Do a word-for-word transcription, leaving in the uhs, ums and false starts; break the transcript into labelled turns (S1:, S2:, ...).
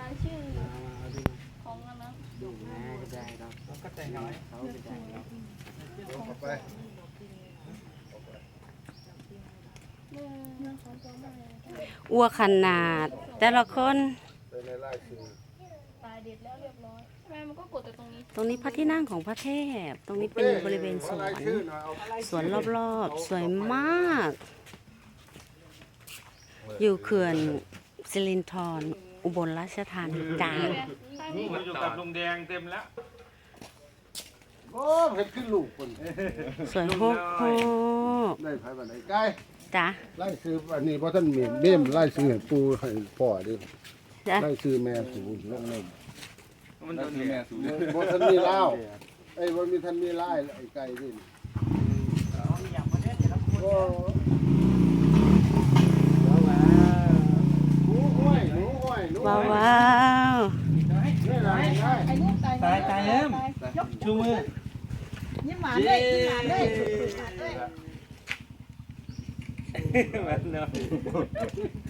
S1: รายชื่อ
S2: มาเอาดิ
S1: ของอันนั้น
S2: ดูแม่ก็ได้ครับ
S3: ก็แต่งน้อย
S2: เขาก็ได้ครับ
S4: เอาไป
S1: เรื่องของตัวแม่
S5: อ้วกขนาด แต่ละคน
S4: ไปในไล่คือ
S1: ตายเด็ดแล้วเรียบร้อยแม่มันก็กดแต่ตรงนี้
S5: ตรงนี้พระที่นั่งของพระเทพ ตรงนี้เป็นบริเวณสวน
S4: ชื่อหน่อยเอา
S5: สวนรอบๆ สวยมาก อยู่เขื่อนสิรินธรอุบลราชธานีจ้า
S1: ใช่นี่
S3: มาอยู่กับลุงแดงเต็มแล้ว
S4: โอ้เห็ดขึ้นลูกคน
S5: สวยโฮกโฮก
S4: ได้ไผบันไดใกล้
S5: จ้า
S4: ไล่ซื้ออันนี้เพราะท่านเมียเบี้ยมไล่ซื้อให้ปูให้พ่อดิ
S5: จ้า
S4: ไล่ซื้อแม่สูงลงเลย
S3: มันโดนแม่สูง
S4: บ่ท่านมีเล่าไอ้บ่มีท่านมีไล่ไอ้ไก่ดิโอ้หนูห้วยหนูห้วยหนู
S5: ว้าว
S4: ห้วย
S5: ว้าว
S4: นี่ล่ะได้
S6: ไอ้ลูกตาย
S3: ตายตายเริ่ม
S6: ยก
S3: ชูมือ
S6: ยิ้มหวานเลยยิ้มหวานเลยสุดๆหวานเลย
S3: มันเนาะ